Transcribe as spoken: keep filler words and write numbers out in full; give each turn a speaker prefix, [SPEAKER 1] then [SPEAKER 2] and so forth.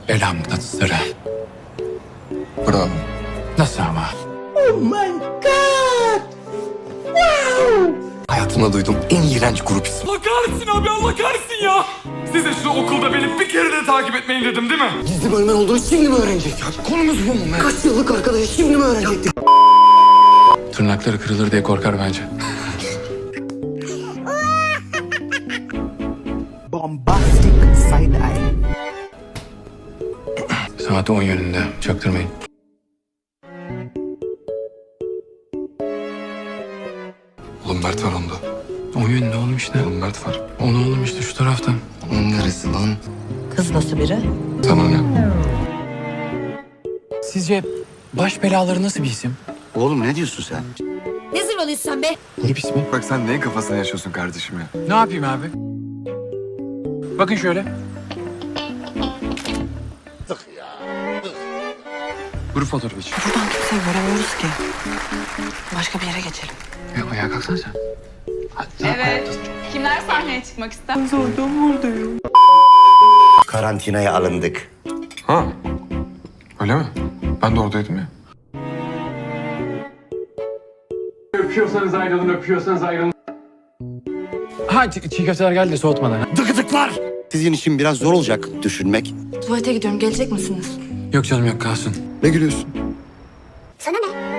[SPEAKER 1] Bela mıknatısları.
[SPEAKER 2] Bravo.
[SPEAKER 1] Nasıl ama?
[SPEAKER 3] Oh my god! Wow!
[SPEAKER 2] Hayatımda duyduğum en iğrenç grup ismi.
[SPEAKER 4] Allah kahretsin abi, Allah kahretsin ya. Size şu okulda beni bir kere de takip etmeyin dedim değil mi?
[SPEAKER 2] Gizli bölmen olduğunu şimdi mi öğrenecek? Ya konumuz bu mu? Ben? Kaç yıllık arkadaşı şimdi mi öğrenecektik?
[SPEAKER 1] Tırnakları kırılır diye korkar bence.
[SPEAKER 3] Bombastic side eye.
[SPEAKER 1] Saat on yönünde. Çaktırmayın.
[SPEAKER 2] Oğlum Mert var onda.
[SPEAKER 1] On yönünde oğlum işte.
[SPEAKER 2] Oğlum Mert var.
[SPEAKER 1] Onu oğlum işte şu taraftan.
[SPEAKER 2] Onun neresi lan?
[SPEAKER 5] Kız nasıl biri?
[SPEAKER 2] Sana ne?
[SPEAKER 1] Sizce baş belaları nasıl bir isim?
[SPEAKER 6] Oğlum ne diyorsun sen?
[SPEAKER 7] Ne zırvalıyorsun sen be?
[SPEAKER 1] Grup ismi.
[SPEAKER 2] Bak sen neyin kafasına yaşıyorsun kardeşim ya?
[SPEAKER 1] Ne yapayım abi? Bakın şöyle. Grup fotoğrafı için.
[SPEAKER 5] Buradan kimseyi göremiyoruz ki. Başka bir yere geçelim.
[SPEAKER 1] Ya ayağa kalksana sen.
[SPEAKER 8] Evet. Kimler sahneye çıkmak ister?
[SPEAKER 6] Karantinaya alındık.
[SPEAKER 2] Ha? Öyle mi? Ben de oradaydım ya.
[SPEAKER 4] Öpüyorsanız ayrılın, öpüyorsanız ayrılın.
[SPEAKER 1] Ha çiğ, çiğ köfteler geldi de soğutmadan.
[SPEAKER 6] Dıkıdıklar! Sizin için biraz zor olacak düşünmek.
[SPEAKER 5] Tuvalete gidiyorum. Gelecek misiniz?
[SPEAKER 1] Yok canım yok kalsın.
[SPEAKER 2] Ne gülüyorsun?
[SPEAKER 7] Sana ne?